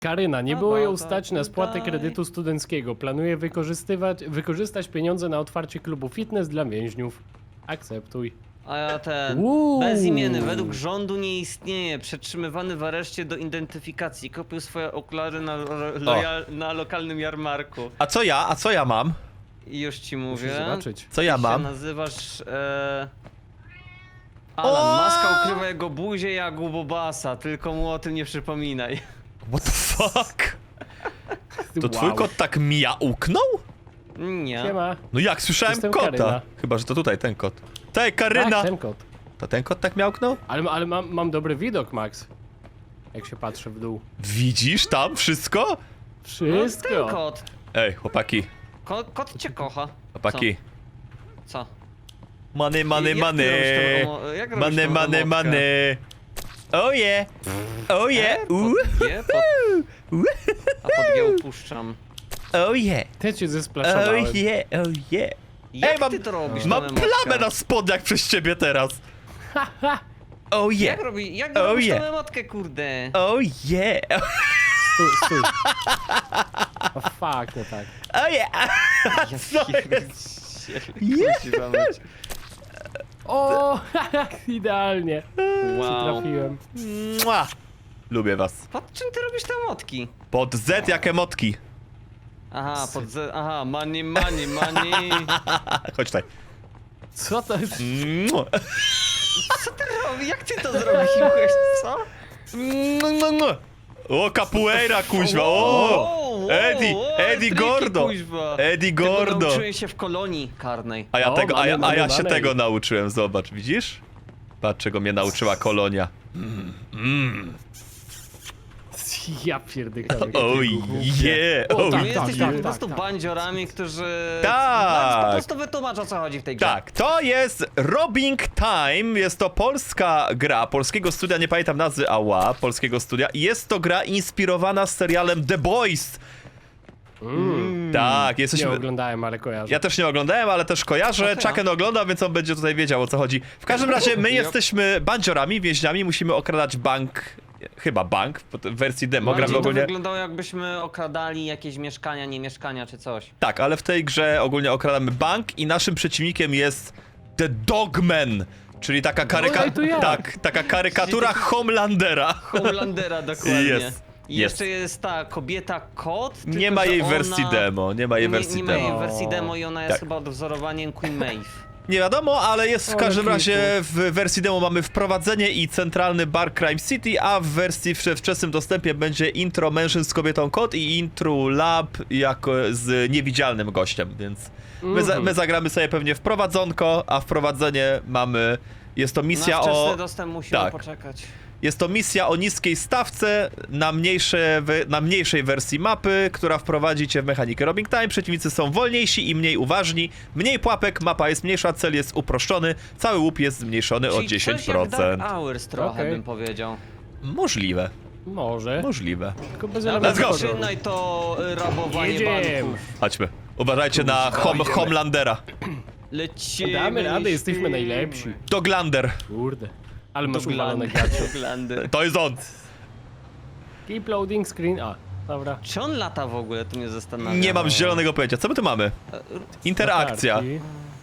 Karyna, nie było ją stać na spłatę kredytu studenckiego. Planuje wykorzystać pieniądze na otwarcie klubu fitness dla więźniów. Akceptuj. A ja ten... Uuu. Bezimienny, według rządu nie istnieje. Przetrzymywany w areszcie do identyfikacji. Kupił swoje okulary na lokalnym jarmarku. A co ja mam? I już ci mówię. Musisz zobaczyć. Co ja Ty mam? się nazywasz... Alan, maska ukrywa jego buzię jak u Bobasa, tylko mu o tym nie przypominaj. What the fuck? To twój kot tak miauknął? Nie. Siema. No jak, słyszałem Jestem kota. Karyna. Chyba, że to tutaj ten kot. Tej, Karyna! Tak, ten kot. To ten kot tak miałknął? Ale mam dobry widok, Max. Jak się patrzę w dół. Widzisz tam wszystko? No, Wszystko. ten kot. Ej, chłopaki, Kot cię kocha. chłopaki. Co? Money, Jak money, ty money. jak robisz Money, tą money, emotkę? money. Oh yeah. Oh yeah. Ooh. A pod G upuszczam. Oh yeah. Ty cię Oh zesplaszowałem. yeah. Oh yeah. Jak mam- ty to robisz, Mam tą emotkę? plamę na spodniach przez ciebie teraz. Oh yeah. Jak Oh robisz yeah. tą emotkę, kurde? Oh yeah. Stój. O fuck, nie tak. Oh yeah. Co jest? Kuźwa mać. O, idealnie. Wow. Trafiłem. Mua. Lubię was. Pod czym ty robisz te emotki? Pod Z jak emotki. Aha, aha, money. Chodź tutaj. Co to jest? Mua. Co ty robisz? Jak ty to zrobiłeś, co? O, capoeira, kuźwa, o! Eddie Gordo! Eddie Gordo! Nauczyłem się w kolonii karnej. A ja, O, tego, a ja, a ja się mamy tego nauczyłem, zobacz, widzisz? Patrz, czego mnie nauczyła kolonia. Ja pierdykam. Oh yeah, O, oh tak, My jesteśmy tak, po prostu tak. bandziorami, którzy... Tak. Po prostu wytłumacz, o co chodzi w tej grze. Tak, to jest Robbing Time, jest to polska gra, polskiego studia, nie pamiętam nazwy, polskiego studia. I jest to gra inspirowana serialem The Boys. Tak, Nie jesteśmy... oglądałem, ale kojarzę. Ja też nie oglądałem, ale też kojarzę. Okej. Chucken ogląda, więc on będzie tutaj wiedział, o co chodzi. W każdym razie my jesteśmy bandziorami, więźniami, musimy okradać bank. Chyba bank, w wersji demo gramy Bardziej to ogólnie. wyglądało, jakbyśmy okradali jakieś mieszkania, nie mieszkania czy coś. Tak, ale w tej grze ogólnie okradamy bank i naszym przeciwnikiem jest The Dogman. Czyli taka to ja. tak, taka karykatura Homelandera. Homelandera dokładnie. Jest. I jeszcze jest ta kobieta kot. Nie tylko ma że jej ona... wersji demo, nie ma jej Nie, wersji nie ma jej demo. wersji demo i ona jest Tak. chyba odwzorowaniem Queen Maeve. Nie wiadomo, ale jest w Ale każdym klipu. razie w wersji demo mamy wprowadzenie i centralny bar Crime City, a w wersji w wczesnym dostępie będzie intro mężczyzn z kobietą kot i intro lab jako z niewidzialnym gościem, więc my zagramy sobie pewnie wprowadzonko, a wprowadzenie mamy, jest to misja Na wczesny o... dostęp musimy tak. poczekać. Jest to misja o niskiej stawce na mniejszej wersji mapy, która wprowadzi cię w mechanikę Robbing Time. Przeciwnicy są wolniejsi i mniej uważni. Mniej pułapek, mapa jest mniejsza, cel jest uproszczony, cały łup jest zmniejszony o Czyli coś jak 10%. Dark Hours trochę Okej. bym powiedział. Możliwe, Może. możliwe. Tylko bez Let's go. elementów. Zaczynaj to rabowanie Jedziemy. banków. Chodźmy. Uważajcie na Homelandera. Lecimy. Damy radę, jesteśmy śpimy. najlepsi. Doglander. Kurde. Ale masz Doglandy. uwalone gacie. Doglandy. To jest on. Keep loading screen. A, dobra. Czy on lata w ogóle? To mnie zastanawia. Nie mam zielonego pojęcia. Co my tu mamy? Interakcja. Latarki.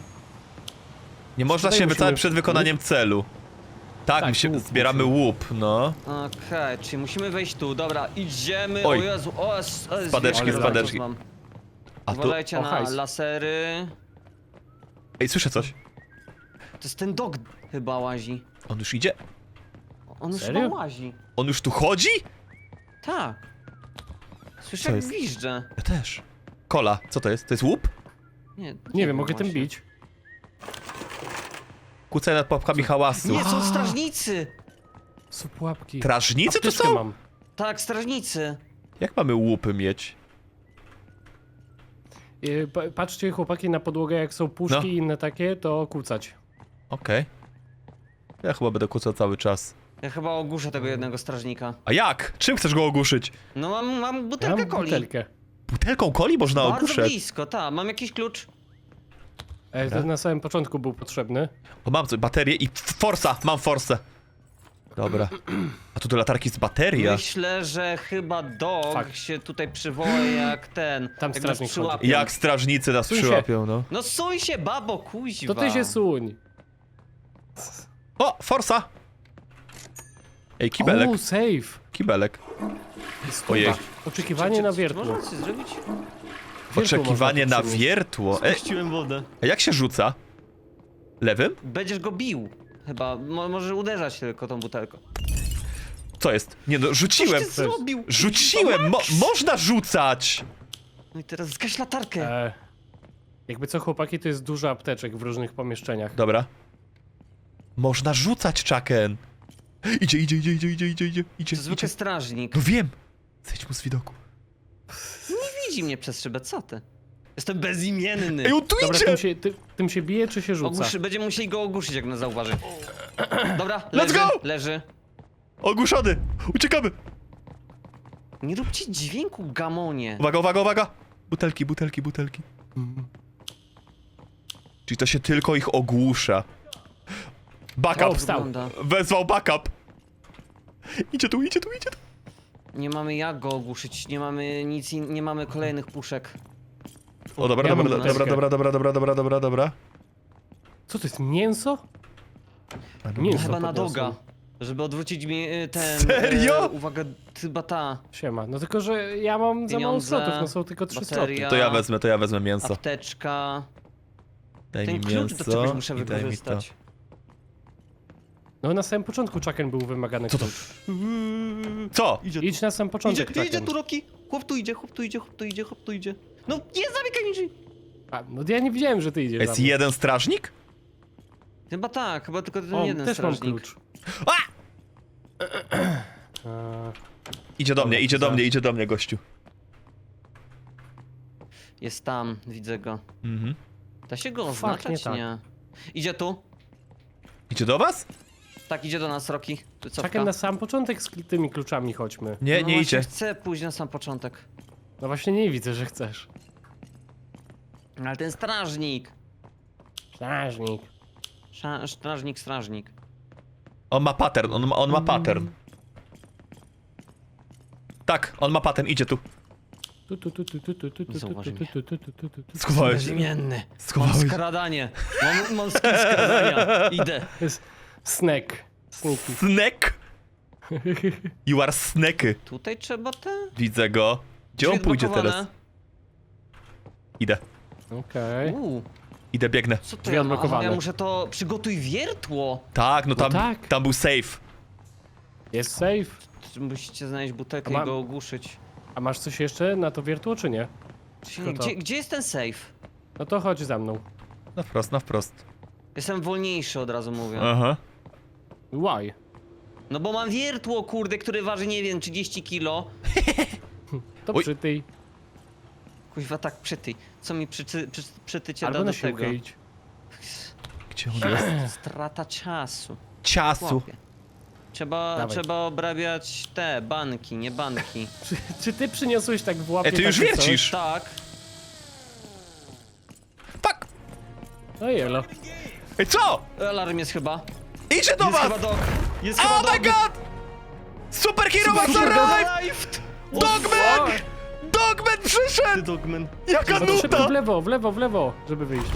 Nie można Tutaj się musimy- wycofać przed wykonaniem celu. Tak, Tak, musimy, łup zbieramy łup, no. Okej, czyli musimy wejść tu. Dobra, idziemy. Oj. O Jezu, o Jezu. Spadeczki, zwierzę, spadeczki. mam. A tu... Uważajcie O, na hajs. lasery. Ej, słyszę coś. To jest ten dog chyba łazi. On już idzie? On już Serio? chyba łazi. On już tu chodzi? Tak. Słyszę Co jak jest? gwizdże. Ja też. Kola, co to jest? To jest łup? Nie wiem, mogę tym właśnie. bić. Kucaj nad pułapkami hałasu. Nie, są strażnicy! Są pułapki. Strażnicy to Apteczkę są? mam. Tak, strażnicy. Jak mamy łupy mieć? Patrzcie chłopaki na podłogę, jak są puszki No. i inne takie, to kucać. Okej. Ja chyba będę kucał cały czas. Ja chyba ogłuszę tego jednego strażnika. A jak? Czym chcesz go ogłuszyć? No mam Ja butelkę mam coli. butelkę. Butelką coli można Bardzo ogłuszać? blisko, tak. Mam jakiś klucz. To na samym początku był potrzebny. O, mam coś, baterię i forsa, mam forsę. Dobra. A tu do latarki jest bateria. Myślę, że chyba dog Fuck. się tutaj przywoła jak ten. Tam jak nas strażnik przyłapią. chodzi. Jak strażnicy nas Suń się. przyłapią, no. No suj się, babo, kuźwa. To ty się suń. O, Forsa! Ej, kibelek, O, save. kibelek. Stuwa. Ojej. Oczekiwanie na Czy wiertło. można coś zrobić? Wiertło Oczekiwanie można na tu przynieść. wiertło. Puściłem wodę. A jak się rzuca? Lewym? Będziesz go bił. Chyba, może uderzać tylko tą butelką. Co jest? Nie no, rzuciłem! Coś ty zrobił? Rzuciłem! Można rzucać! No i teraz zgaś latarkę. Jakby co, chłopaki, to jest dużo apteczek w różnych pomieszczeniach. Dobra. Można rzucać, Chucken! Idzie. To zwykły strażnik. No wiem! Zejdź mu z widoku. Nie widzi mnie przez szybę, co ty? Jestem bezimienny. Ej, on tu Dobra, idzie! tym się bije, czy się rzuca? Będziemy musieli go ogłuszyć, jak nas zauważy. Dobra, Let's leży, go! leży. Ogłuszony! Uciekamy! Nie róbcie dźwięku, gamonie. Uwaga! Butelki. Czyli to się tylko ich ogłusza. O, Backup! wstał. Wygląda. Wezwał backup! Idzie tu. Nie mamy jak go ogłuszyć, nie mamy nic, nie mamy kolejnych puszek. O, dobra. Co to jest, mięso? No, Mięso Chyba na podniosłem. doga. Żeby odwrócić mi ten... Serio? Uwaga, chyba ta Siema. No tylko, że ja mam za mało Pieniądze, slotów, no są tylko 3 sloty. bateria, To ja wezmę mięso. apteczka. Daj Ten mi klucz do mięso czegoś muszę i daj mi to. wykorzystać. No na samym początku Chucken był wymagany Co to? klucz. Co? Idź na sam początek, Chucken. Roki! Chłop tu idzie. No nie zamykaj mi drzwi! A, no ja nie widziałem, że ty idziesz Jest za mną. jeden strażnik? Chyba tak, chyba tylko ten O, jeden też mam strażnik. klucz. A! Eee, Idzie do mnie, gościu. Jest tam, widzę go. Mhm. Da się go Fuck, oznaczać? nie Nie. tak. Idzie tu. Idzie do was? Tak, idzie do nas, Roki. Tu cofka. Chucken, na sam początek z tymi kluczami chodźmy. Nie, No nie właśnie idzie. Chcę pójść na sam początek. No właśnie nie widzę, że chcesz. Ale ten strażnik. Strażnik. Strażnik. On ma pattern, on ma pattern. Tak, on ma pattern, idzie tu. Zauważy mnie. Schowałeś się. Bezimienny. Mam Schowałeś. skradanie. Mam skin skradania. Idę. Jest snack. Sneaky. Snack? You are snacky. Tutaj trzeba te... Widzę go. Gdzie on Drzwi pójdzie odblokowane. teraz? Idę. Okej. Idę, biegnę. Co to Drzwi ja mam? Aha, odblokowane. ja muszę to... Przygotuj wiertło. Tak, no tam, tak. tam był safe. Jest safe. Musicie znaleźć butelkę A mam- i go ogłuszyć. A masz coś jeszcze na to wiertło, czy nie? Tylko to. Gdzie jest ten safe? No to chodź za mną. Na wprost. Jestem wolniejszy, od razu mówię. Aha. Why? No bo mam wiertło, kurde, które waży, nie wiem, 30 kilo. To Oj. przy tej. Kuźwa, tak przytyj. Co mi przytycie Albo da na do tego? siłkę idź. Gdzie on jest? Strata czasu. Ciasu. Chłopie. Dawaj. Trzeba obrabiać te banki, nie banki. Czy ty przyniosłeś tak w łapie Ej, ty już takie coś? wiercisz. Tak. Fuck! No jelo. Ej, co? Alarm jest chyba. Idzie do Jest was! chyba dog. Jest Oh chyba my dog. god! Superhero has arrived! Dogman! Dogman przyszedł! Dogman. Jaka No to szybko nuta! w lewo, żeby wyjść.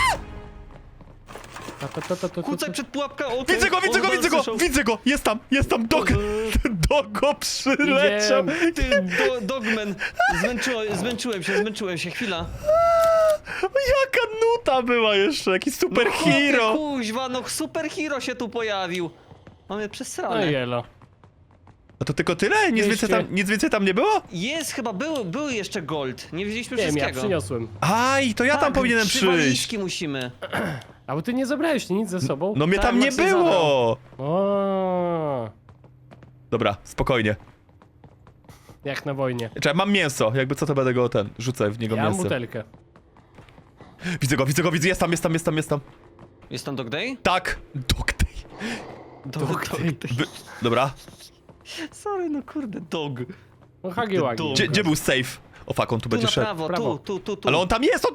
Kucaj przed pułapką. Widzę go! Jest tam, dog! Dogo przyleciał! Ty, dogman. Zmęczyłem się, chwila. Jaka nuta była jeszcze, jaki superhero! No, kuźwa, no superhero się tu pojawił. Mamy No przesrane. jelo. A to tylko tyle? Nic więcej tam nie było? Jest chyba, był jeszcze gold. Nie wiedzieliśmy Nie wiem, ja wszystkiego. przyniosłem. Aj, to ja tam Tak, powinienem 3 przyjść. walizki musimy. A bo ty nie zabrałeś nic ze sobą? No mnie Tak, tam nie Maxy było! O, Dobra, spokojnie. jak na wojnie. Czekaj, mam mięso, jakby co to będę go rzucę w niego Ja mam mięso. butelkę. Widzę go, jest tam. Jest tam Dog Day? Tak! Dog day. Dog Day. Dobra. Sorry, no kurde, dog. No hagi wagi. dom. Gdzie był safe? O fuck, on tu Tu będzie na szedł. prawo, Prawo. tu. Ale on tam jest!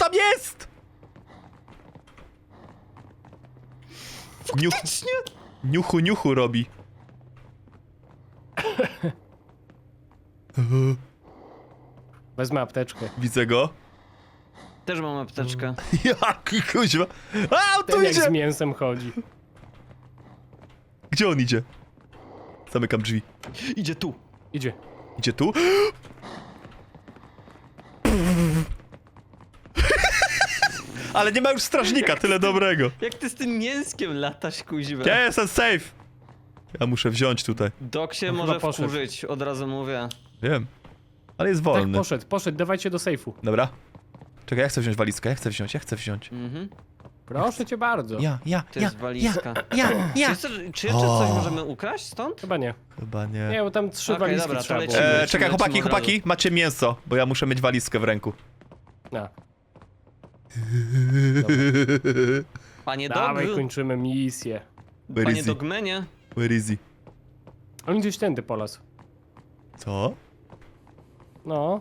Niuchu robi. Wezmę apteczkę. Widzę go. Też mam apteczkę. Jaki kuźwa. A, on tu Ten jak z idzie! mięsem chodzi. Gdzie on idzie? Zamykam drzwi. Idzie tu. Idzie. Idzie tu? Ale nie ma już strażnika, tyle dobrego. Jak ty z tym mięskiem latasz, kuźwa? Ja jestem safe. Ja muszę wziąć tutaj. Dok się No może chyba poszedł. wkurzyć, od razu mówię. Wiem. Ale jest Tak, wolny. poszedł, dawajcie do sejfu. Dobra. Czekaj, ja chcę wziąć walizkę, ja chcę wziąć. Mhm. Proszę cię bardzo. To jest walizka. Czy jeszcze O. coś możemy ukraść stąd? Chyba nie. Chyba nie. Nie, bo tam 3 Okej, walizki dobra, to trzeba było. lecimy. Czekaj, lecimy od chłopaki, razu. macie mięso, bo ja muszę mieć walizkę w ręku. No. Panie Dawaj, Dog, kończymy misję. Where panie is he? Dogmenie. Where is he? On gdzieś tędy polasł. Co? No.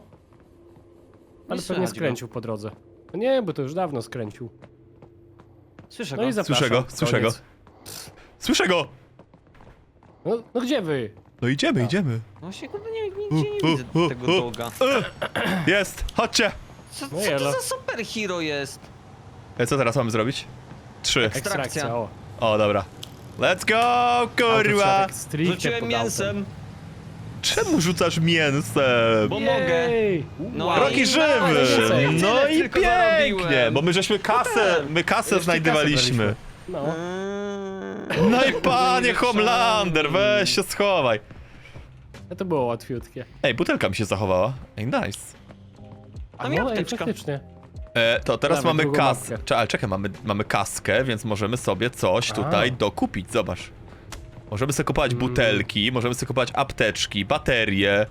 Ale Nie pewnie słychać skręcił po drodze. No nie, bo to już dawno skręcił. Słyszę No go. i zapraszam. Słyszę go. Koniec. Słyszę go! No gdzie wy? No idziemy. Właśnie kurde nigdzie nie widzę tego doga. Jest, chodźcie! Co No to jelo. za superhero jest? Co teraz mamy zrobić? 3. Ekstrakcja, o. O, dobra. Let's go, A, to trzeba kurwa! tak stricte Rzuciłem pod autem. mięsem, Czemu rzucasz mięsem? bo mogę. Jej! No Roki i żywy! tyle No i tylko pięknie! zarobiłem. Bo my żeśmy kasę Jeszcze znajdywaliśmy. kasę No. No i panie Homelander, weź się schowaj. No to było łatwiutkie. Ej, butelka mi się zachowała. Ej, nice. A mi no, ej, apteczka. faktycznie. To teraz Dawaj, mamy drugą kaskę. mapkę. Ale czekaj, mamy kaskę, więc możemy sobie coś tutaj dokupić, zobacz. Możemy sobie kupować butelki, możemy sobie kupować apteczki, baterie.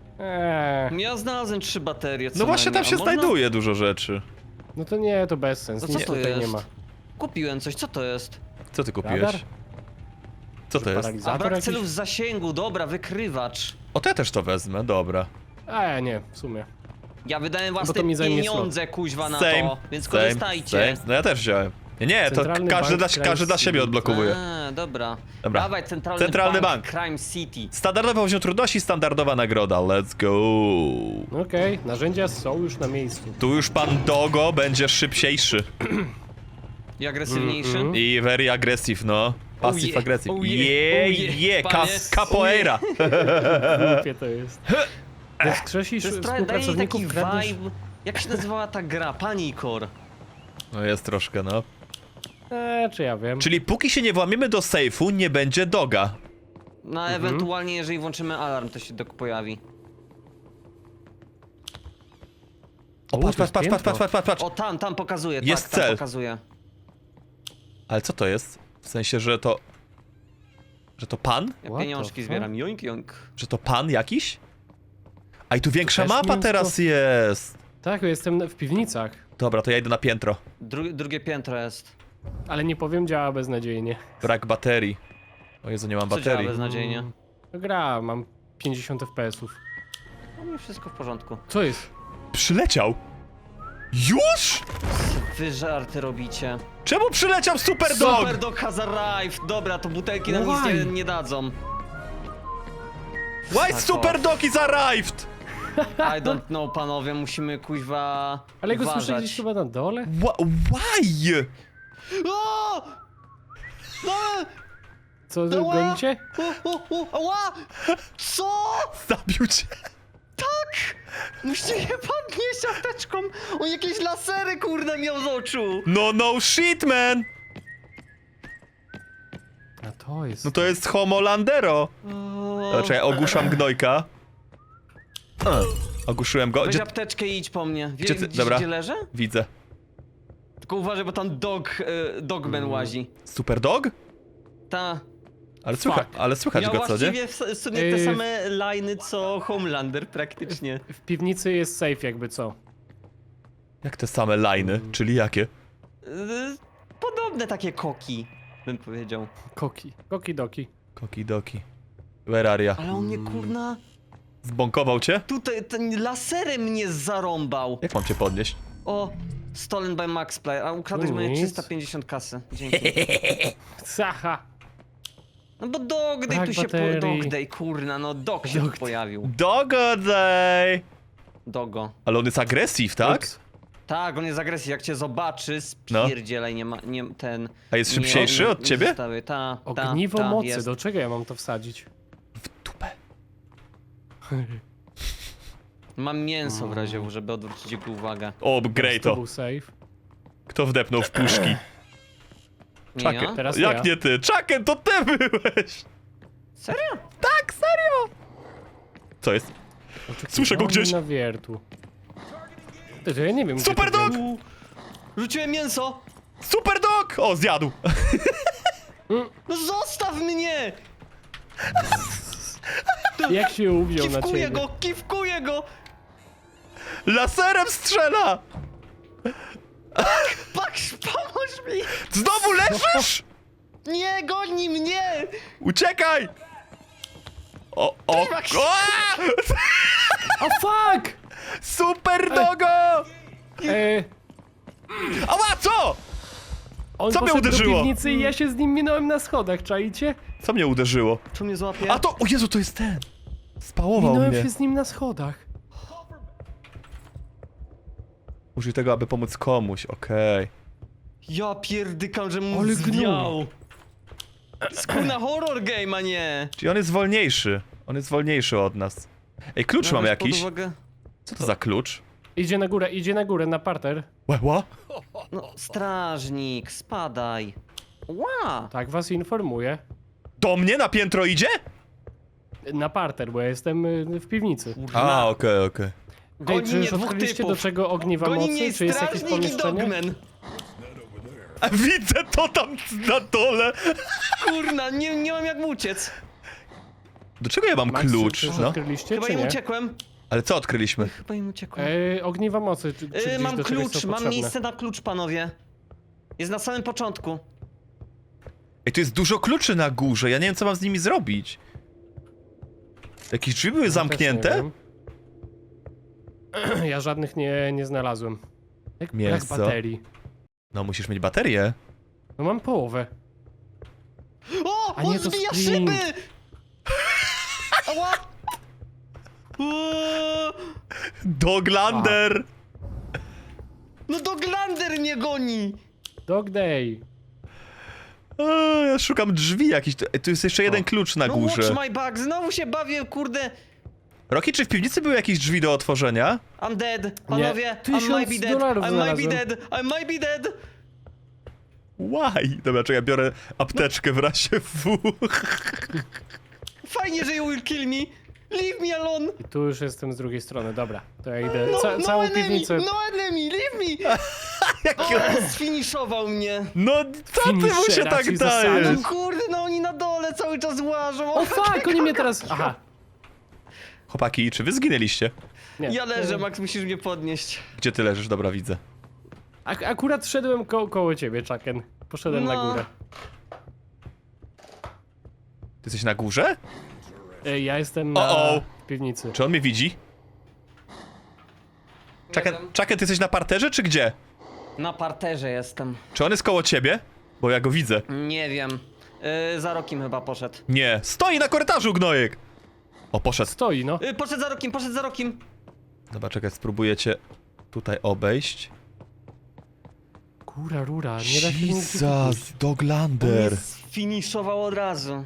Ja znalazłem 3 baterie. co No właśnie tam najmniej. się A można? znajduje dużo rzeczy. No to nie, to bez sensu. No co Nic to tutaj jest? nie ma. Kupiłem coś, co to jest? Co ty kupiłeś? Radar? Co to jest? A Paralizator brak jakiś? celów zasięgu, dobra, wykrywacz. O, to ja też to wezmę, dobra. A ja nie, w sumie. Ja wydałem to własne mi zajmie pieniądze, kuźwa, na to, więc same, korzystajcie. same. No ja też wziąłem. Nie, to Centralny każdy Bank każdy dla Crime siebie City. odblokowuje. Dobra. Dobra. Dawaj, centralny, Centralny bank. bank. Crime City. Standardowy poziom trudności, standardowa nagroda, let's go. Okej, narzędzia są już na miejscu. Tu już pan Dogo będzie szybciejszy. I agresywniejszy. I very aggressive, no. Passive yeah, aggressive. oh yeah, oh yeah, Yeah, panie. capoeira. Głupie to jest. Wskrzesisz To jest trochę, daje mi współpracowników, taki kradniesz... vibe. Jak się nazywała ta gra? Panikor. No jest troszkę, no. Czy ja wiem. Czyli póki się nie włamiemy do sejfu, nie będzie Doga. No ewentualnie jeżeli włączymy alarm, to się dok pojawi. O, U, patrz, to jest patrz, patrz, patrz, patrz, patrz, patrz. O, tam pokazuje, Jest tak, tam cel. pokazuje. Ale co to jest? W sensie, że to... Że to pan? Ja What pieniążki the zbieram, joink, joink. Że to pan jakiś? A i tu większa też mapa mięsko? teraz jest. Tak, jestem w piwnicach. Dobra, to ja idę na piętro. Drugie piętro jest. Ale nie powiem, działa beznadziejnie. Brak baterii. O Jezu, nie mam Co działa baterii. beznadziejnie? To gra, mam 50 FPS-ów. U mnie wszystko w porządku. Co jest? Przyleciał? Już? Wy żarty robicie. Czemu przyleciał Super Dog? Super Dog has arrived! Dobra, to butelki nam nic Why? nie dadzą. Why Tak, Super Dog is arrived? I don't know, panowie, musimy kuźwa Ale go uważać. słyszę gdzieś chyba na dole? Why? O! No! Co, Ała! gonicie? Ała! Co? Zabił cię. Musicie je podnieść apteczką! On jakieś lasery, kurde, miał z oczu! No shit, man. A to jest... No to jest Homolandero. O, Czekaj, ogłuszam gnojka. Ogłuszyłem go. weź Gdzie... apteczkę i idź po mnie. Gdzie ty- Widzisz, dobra. gdzie leżę? Widzę. Tylko uważaj, bo tam Dogman łazi. Super Dog? Ta. Ale słychać Miał go, co nie? właściwie w sumie te same liny co Homelander praktycznie. W piwnicy jest safe jakby co. Jak te same liny? Czyli jakie? Podobne takie koki, bym powiedział. Koki. Koki doki. Kokidoki. Where are ya? Ale on mnie kurna... Zbąkował cię? Tutaj ten laserem mnie zarąbał. Jak mam cię podnieść? O, stolen by Max Play, a ukradłeś moje Nic. 350 kasy. Dzięki. Sacha! No bo Dog Day Brak tu się baterii. Dog Day, kurna, no Dog się Dog tu pojawił. Dogo day! Dogo. Ale on jest agresyw, tak? Ups. Tak, on jest agresji, jak cię zobaczy, spierdzielaj, nie ma, nie, ten... A jest szybciejszy od ciebie? Ogniwo mocy, jest. do czego ja mam to wsadzić? W dupę. Mam mięso w razie, żeby odwrócić jego uwagę. O, grej To to. był save. Kto wdepnął w puszki? Nie Chucken. ja? Teraz Jak ja. nie ty? Chucken, to ty byłeś! Serio? Tak, serio! Co jest? Słyszę go gdzieś. Na wiertł. Ty, to ja nie wiem. gdzie Super to dog! wziąć. Rzuciłem mięso! Super dog! O, zjadł! No zostaw mnie! Jak się uwziął na Kiwkuję ciebie? go, kiwkuję go! Laserem strzela! Patrz, pomóż mi! Znowu leżysz? Nie, goni mnie! Uciekaj! O! O fuck! Super dogo! Ała, co? On Co mnie poszedł uderzyło? do piwnicy i ja się z nim minąłem na schodach, czaicie? Co mnie uderzyło? Czy mnie złapie? A to, o Jezu, to jest ten! Spałował Minąłem mnie. się z nim na schodach. Użyj tego, aby pomóc komuś, okej. Ja pierdykam, że mu Ale zwiał. Skórna horror game, a nie! Czyli on jest wolniejszy. On jest wolniejszy od nas. Ej, klucz mam Weź pod jakiś. uwagę- Co to za klucz? Idzie na górę, na parter. Ła? No, strażnik, spadaj. Ła! Tak was informuję. Do mnie na piętro idzie? Na parter, bo ja jestem w piwnicy. A, okej. Ej, Goni czy mnie już dwóch odkryliście do typów. czego ogniwa Goni mnie mocy? Czy jest jakieś strażnik i pomieszczenie? dogman. A widzę to tam na dole. Kurna, nie mam jak mu uciec. Do czego ja mam Max, klucz? czy już No. odkryliście, Chyba czy im nie? uciekłem. Ale co odkryliśmy? Chyba im uciekłem. Ogniwa mocy, czy gdzieś Mam do czegoś klucz, są mam potrzebne? miejsce na klucz, panowie. Jest na samym początku. Ej, tu jest dużo kluczy na górze, ja nie wiem co mam z nimi zrobić. Jakieś drzwi były Ja też zamknięte? nie wiem. Ja żadnych nie znalazłem. Jak brak Mięso. baterii. No musisz mieć baterię. No mam połowę. O! A On nie, to zbija sprint. szyby! Ała! Uuu, Doglander! No Doglander mnie goni! Dog day. Ja szukam drzwi jakichś. Tu jest jeszcze jeden klucz na No górze. watch my back, znowu się bawię, kurde. Rocky, czy w piwnicy były jakieś drzwi do otworzenia? I'm dead, panowie. I 1000 might be dead, dolarów I might be znalazłem. dead, I might be dead. Why? Dobra, czekaj, ja biorę apteczkę w razie W. Fajnie, że you will kill me. Leave me alone. I tu już jestem z drugiej strony, dobra. To ja idę. No, Całą enemy, piwnicę. no enemy, leave me. Jaki O, sfiniszował mnie. No, co ty mu się Finishera tak ci dajesz? zasadził. No kurde, no oni na dole cały czas łażą. O fuck, oni mnie teraz... Aha. Chłopaki, czy wy zginęliście? Nie. Ja leżę, Max, musisz mnie podnieść. Gdzie ty leżysz? Dobra, widzę. Akurat szedłem koło ciebie, Chucken. Poszedłem na No. górę. Ty jesteś na górze? Ja jestem na O-o. piwnicy. Czy on mnie widzi? Chucken, ty jesteś na parterze, czy gdzie? Na parterze jestem. Czy on jest koło ciebie? Bo ja go widzę. Nie wiem. Za rokiem chyba poszedł. Nie, stoi na korytarzu, gnojek! O, poszedł. Stoi, no. Poszedł za rokiem, poszedł za rokiem. Dobra, czekaj, spróbuję cię tutaj obejść. Kura, rura, nie da się nigdzie kupić. Doglander. Finiszował od razu.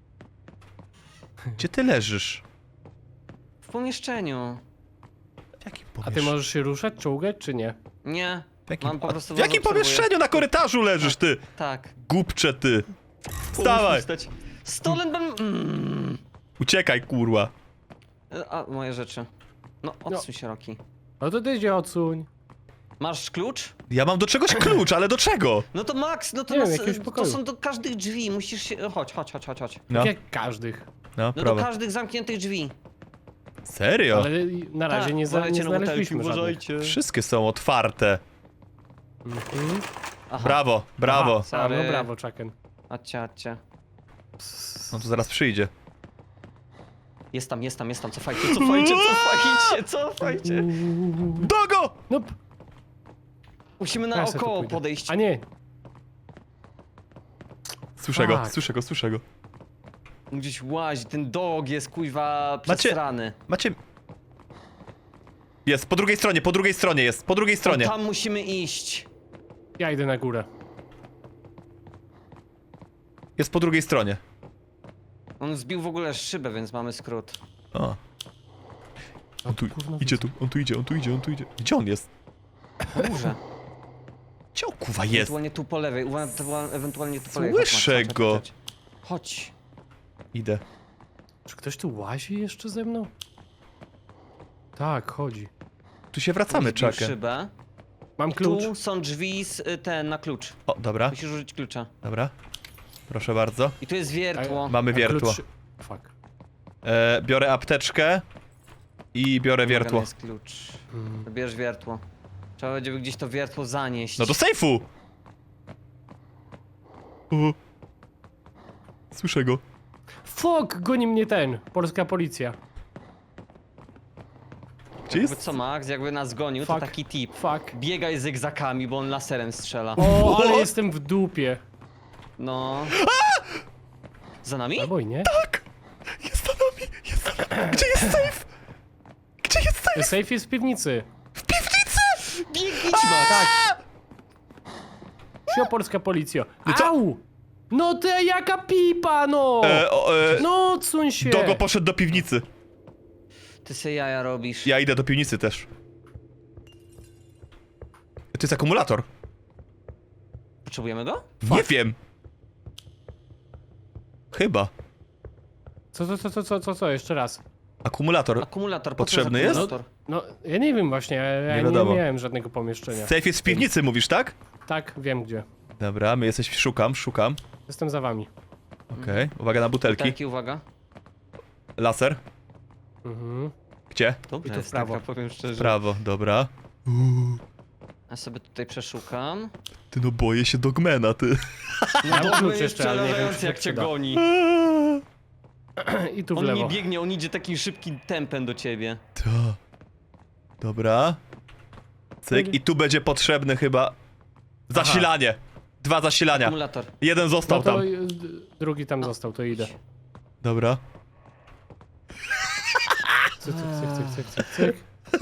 Gdzie ty leżysz? W pomieszczeniu. W jakim A ty możesz się ruszać, czołgać, czy nie? Nie. W jakim, Mam po prostu w jakim was obserwuję. pomieszczeniu na korytarzu leżysz, ty? Tak. Głupcze ty. Wstawaj! Stolen ban... Uciekaj, kurwa. A, moje rzeczy. No, odsuń się, Roki. No to ty się odsuń. Masz klucz? Ja mam do czegoś klucz, ale do czego? No to Max, no to, Nie wiem, nas, jakiegoś to pokoju. są do każdych drzwi, musisz się... Chodź. No, Tak jak każdych. no, No do prawo. każdych zamkniętych drzwi. Serio? Ale na razie Tak, nie uważajcie na znaleźliśmy butelki, żadnych. uważajcie. Wszystkie są otwarte. Mhm. Aha. Brawo, brawo. A, Sorry. no brawo, Chucken. Adcia. No to zaraz przyjdzie. Jest tam, cofajcie. Dogo! No, Musimy ja se tu naokoło pójdę. podejść. A nie. Słyszę go, Tak. słyszę go. Gdzieś łazi, ten dog jest kuźwa przesrany. Macie... Jest, po drugiej stronie jest, po drugiej stronie. Tam musimy iść. Ja idę na górę. Jest po drugiej stronie. On zbił w ogóle szybę, więc mamy skrót. O. On tu Gówno idzie, widzę. on tu idzie. Gdzie on jest? Na górze. Gdzie on kuwa jest? Ewentualnie tu po lewej, ewentualnie tu po lewej. Słyszę Chodź, go. Chodź. Idę. Czy ktoś tu łazi jeszcze ze mną? Tak, chodzi. Tu się wracamy, Zbił Chucken. szybę. Mam klucz. Tu są drzwi na klucz. O, dobra, Musisz użyć klucza. dobra. Proszę bardzo. I tu jest wiertło. Mamy A wiertło. klucz- Fuck. Biorę apteczkę i biorę Wymagany wiertło. jest klucz. Bierz wiertło. Trzeba będzie gdzieś to wiertło zanieść. No do sejfu! O. Słyszę go. Fuck, goni mnie ten. Polska policja. Gdzie Jakby jest? co, Max, jakby nas gonił, to Fuck. taki tip. Fuck. Biegaj zygzakami, bo on laserem strzela. O, ale jestem w dupie. No. Za nami? Albo i nie. Jest za nami! Jest za nami! Gdzie jest sejf? Gdzie jest sejf? Safe jest w piwnicy. W piwnicy! Biegnij, Max! Tak. Sio, polska policja. Au! No ty jaka pipa, no! No odsuń się! Dogo poszedł do piwnicy. Ty se jaja robisz. Ja idę do piwnicy też. To jest akumulator. Potrzebujemy go? Nie wiem. Chyba. Co, jeszcze raz. Akumulator. Akumulator, Potrzebny jest? akumulator? No, ja nie wiem właśnie, ja nie wiadomo. miałem żadnego pomieszczenia. Sejf jest w piwnicy, mówisz, tak? Tak, wiem gdzie. Dobra, my jesteśmy. Szukam. Jestem za wami. Okej, uwaga na butelki. Butelki, uwaga. Laser. Mhm. Gdzie? Dobrze I tu w jest prawo. taka, powiem szczerze. Prawo, dobra. Ja sobie tutaj przeszukam. Ty no boję się Dogmana, ty. Ja mam Dogman klucz jest jeszcze, ale nie wiem, przerażający, czy jak się cię przyda. goni. I tu w On nie lewo. biegnie, on idzie takim szybkim tempem do ciebie. To. Dobra. Cyk, i tu będzie potrzebny chyba zasilanie. 2 zasilania. Akumulator. Jeden No został to tam. drugi tam został, to idę. Dobra. Cyk, cyk, cyk, cyk, cyk, cyk.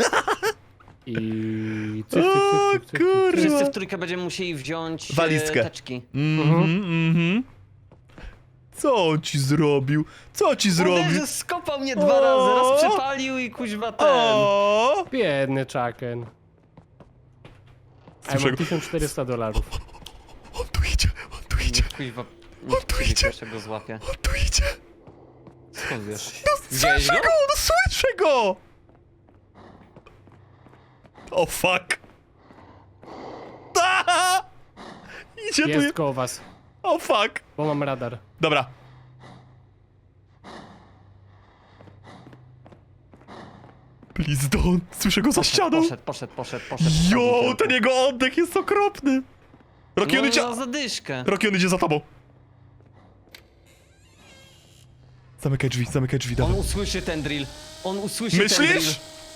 I cyk, cyk, O cyk, cyk, cyk, cyk. kurwa. Wszyscy w trójkę będziemy musieli wziąć Walizkę. teczki. Mhm. Co on ci zrobił? Co ci zrobił? Uderzy, skopał mnie 2 razy, raz przypalił i kuźwa ten. O! Biedny Chucken. A ja Słyszę mam go. $1400. On tu idzie, on tu idzie, Kuźwa, On tu idzie. jeszcze go złapie. on tu idzie. Skąd wiesz? No Widziałeś słyszę go? go, no słyszę go! O fuck! Aha! Idzie tu. Jest koło was, O fuck! bo mam radar. Dobra. Please don't. Słyszę go za ścianą. Poszedł. Jo, ten jego oddech jest okropny. Rocky, on idzie... No, za zadyszkę. Rocky, on idzie za tobą. Zamykaj drzwi, On dawaj. usłyszy ten drill. On usłyszy ten drill. Myślisz?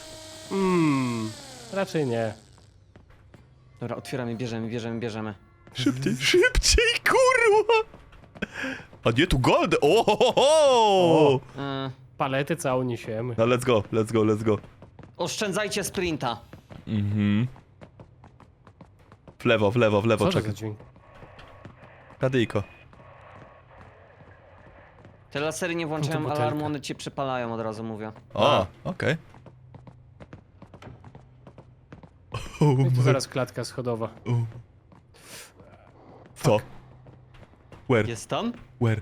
Raczej nie. Dobra, otwieramy, bierzemy. Szybciej, kurwa! A nie, tu gold! Ohohoho! Palety całą niesiemy. No let's go. Oszczędzajcie sprinta. Mhm. W lewo, Co to za czekaj. dźwięk? Radyjko. Te lasery nie włączają butelka. alarmu, one cię przypalają, od razu mówię. O, okej. No i Oh tu my... zaraz klatka schodowa. Co? Where? Jest tam? Where?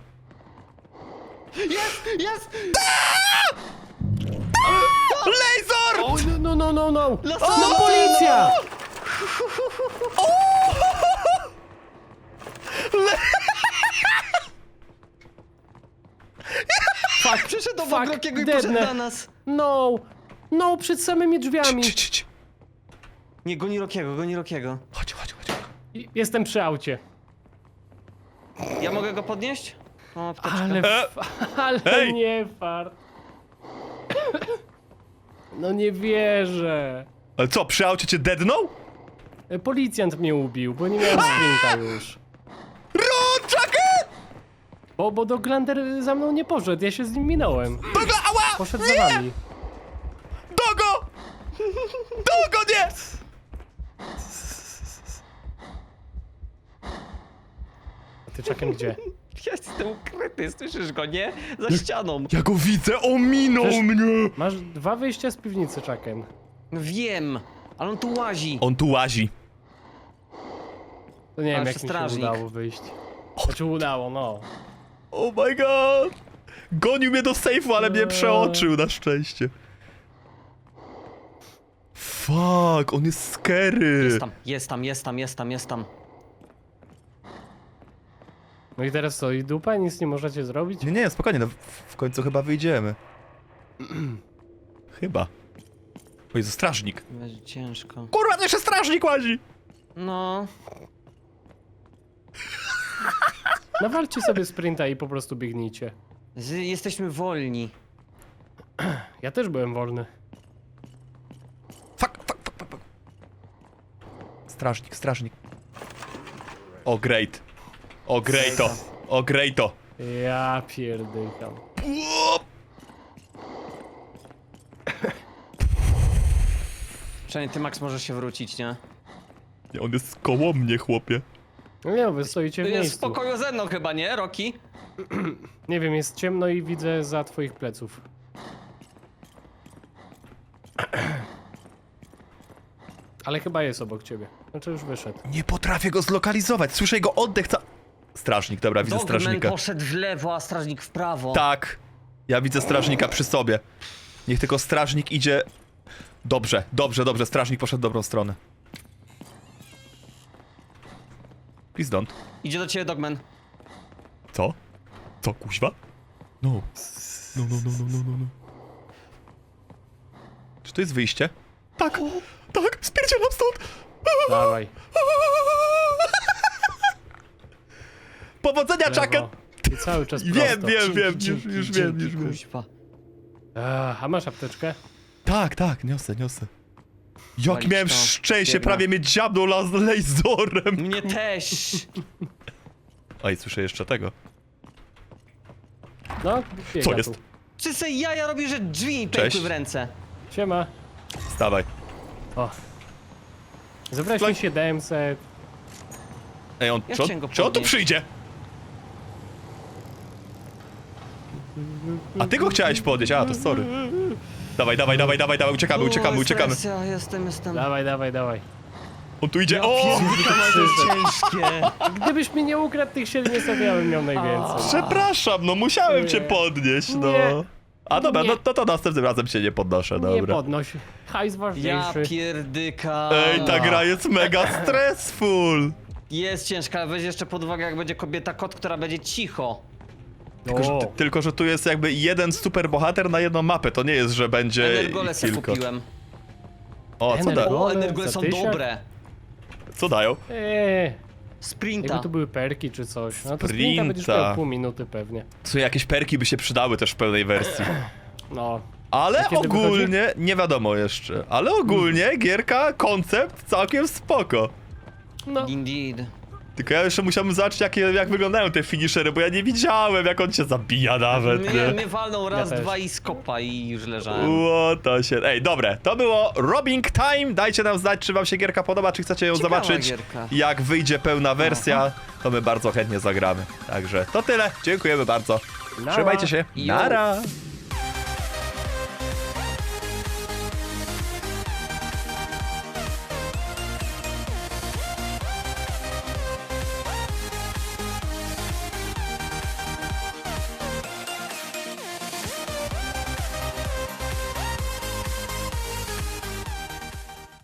Jest! Laser! O, no! Laser! No policja! Fuck, przyszedł obok Fuck, Rockiego i poszedł deadnę. na nas. No, przed samymi drzwiami. Cii. Nie, goni Rockiego. Chodź. Jestem przy aucie. Ja mogę go podnieść? Mam apteczkę. Ale Hej! nie fart. No nie wierzę. Ale co, przy aucie cię deadnął? Policjant mnie ubił, bo nie miałem sprinta już. Run, Chucken! Bo Doglander za mną nie poszedł, ja się z nim minąłem. Ała! Poszedł za wami. Dogo! Dogo, nie! A ty czekam gdzie? Ja jestem ukryty, słyszysz go, nie? Za ścianą. Ja go widzę, ominął Przecież- mnie! Masz 2 wyjścia z piwnicy, czekam. No wiem, ale on tu łazi. On tu łazi. To nie wiem, Ale jak mi się strażnik. udało wyjść. Znaczy udało, no. Oh my god! Gonił mnie do sejfu, ale mnie przeoczył na szczęście. Fuck, on jest scary. Jest tam. No i teraz co, i dupa? Nic nie możecie zrobić? Nie, spokojnie, no w końcu chyba wyjdziemy. Chyba. O Jezu, strażnik. Będzie ciężko. Kurwa, to jeszcze strażnik łazi! No, Nawalcie sobie sprinta i po prostu biegnijcie. jesteśmy wolni. Ja też byłem wolny. Fuck. Strażnik. O, great. O, greato. O, greato. Ja pierdykam. Przynajmniej ty, Max, możesz się wrócić, nie? Nie, on jest koło mnie, chłopie. No nie, wy stoicie w Jest w miejscu. pokoju ze mną chyba, nie, Roki? Nie wiem, jest ciemno i widzę za twoich pleców. Ale chyba jest obok ciebie. Znaczy już wyszedł. Nie potrafię go zlokalizować. Słyszę jego oddech. Strażnik, dobra, widzę Dogman strażnika. poszedł w lewo, a strażnik w prawo. Tak. Ja widzę strażnika przy sobie. Niech tylko strażnik idzie... Dobrze. Strażnik poszedł w dobrą stronę. Please don't. Idzie do ciebie Dogman. Co? Co, kuźwa? No. No. Czy to jest wyjście? Tak. Tak, spierdzielam stąd. Dawaj. Powodzenia, Lewo. Chucken. I cały czas prosto. Wiem. Już wiem. Kuźwa. A masz apteczkę? Tak, niosę. Jak Walić miałem to. szczęście, Biedna. prawie mnie dziabnął laserem. Mnie też. Oj, słyszę jeszcze tego. No, biega Co jest? Tu. Czy se jaja robi, że drzwi mi Cześć. pękły w ręce? Siema. Stawaj. O. Zebrałeś mi 700. Ej, Ja czy chciałem go on tu podnieść. przyjdzie? A ty go chciałeś podnieść, a to sorry. Dawaj, uciekamy. Ja jestem. Dawaj. On tu idzie, Ja o! pierdolę, to jest ciężkie. Gdybyś mi nie ukradł tych 700, ja bym miał najwięcej. Przepraszam, no musiałem cię Nie. podnieść, no. Nie. A dobra, Nie. no to następnym razem się nie podnoszę, Nie dobra. podnoś. Hajs Ja ważniejszy. pierdyka. Ej, ta gra jest mega stressful. Jest ciężka, ale weź jeszcze pod uwagę, jak będzie kobieta kot, która będzie cicho. Tylko, że tu jest jakby jeden super bohater na jedną mapę, to nie jest, że będzie Energole ich se kilka. kupiłem. O, co, da, O, Ole, energole za są 1000? dobre. co dają? Sprinta. Jakby to były perki czy coś. No to sprinta będziesz Sprinta. miał pół minuty pewnie. Co, jakieś perki by się przydały też w pełnej wersji. No. Ale A kiedy ogólnie, nie wiadomo jeszcze, ale ogólnie gierka, koncept całkiem spoko. No. Indeed. Tylko ja jeszcze musiałbym zobaczyć jak wyglądają te finishery, bo ja nie widziałem jak on cię zabija nawet, nie? Mnie walnął raz, też. dwa i skopa i już leżałem. To się... Ej, dobre, to było Robbing Time, dajcie nam znać, czy wam się gierka podoba, czy chcecie ją Ciekawa zobaczyć. gierka. Jak wyjdzie pełna wersja, to my bardzo chętnie zagramy. Także to tyle, dziękujemy bardzo. Nara. Trzymajcie się, Jo. nara!